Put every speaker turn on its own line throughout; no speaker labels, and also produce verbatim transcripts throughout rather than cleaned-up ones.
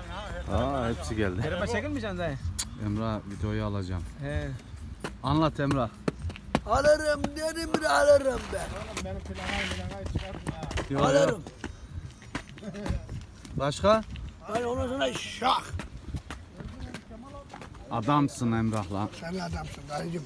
Aa hepsi geldi.
Telefon çekilmeyeceksin dayı.
Emrah videoyu alacağım.
He.
Anlat Emrah.
Alırım dedim bir alırım ben.
Benim planayı planayı çıkartma.
Yo, yo.
Alırım.
Başka?
Hani ondan sonra şak.
Adamsın Emrah lan.
Sen adamsın dayıcım.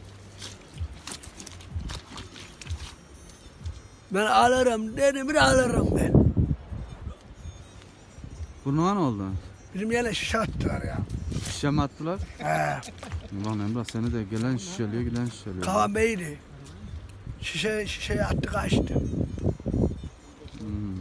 Ben alırım dedim bir alırım ben.
Burnuna ne oldu?
Bizim yerine şişe attılar ya.
Şişe mi attılar?
He.
Ulan Emrah seni de gelen şişeliyor giden şişeliyor.
Kavan Bey'di. Şişe, şişeye attı kaçtı.
Hmm.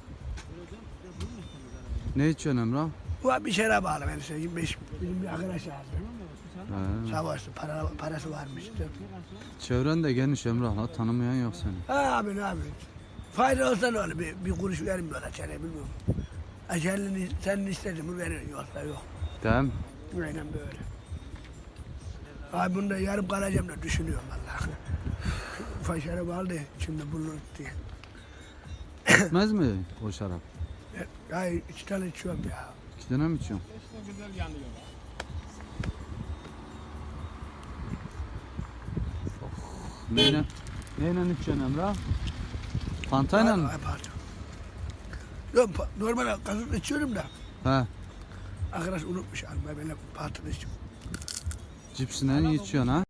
Ne içiyorsun Emrah?
Bu bir şeye bağlı ben size. yirmi beş bizim bir arkadaş lazım.
He.
Sağ olsun para, parası varmış.
Çevren de geniş Emrah la, tanımayan yok seni.
Ha abi ne abi. Fayda olsa ne olur bir, bir kuruş vermiyorlar çene bilmiyorum. Acelini senin istedin mi verir yoksa yok.
Değil mi?
Aynen böyle. Abi bunda yarım kalacağım da düşünüyorum vallahi. Ufak şarap aldı şimdi bulur diye.
Gitmez mi o şarap?
Ya iki tane içiyorum ya.
İki tane mi içiyorsun?
İşte güzel yanıyor.
Neyle, neyle içiyorsun Emrah? Fantayla mı?
Ay, pardon. Yok pa- normal gazoz içiyorum da.
He.
Arkadaş unutmuş almayı böyle patını içiyorum.
Cipsine içiyorsun ha?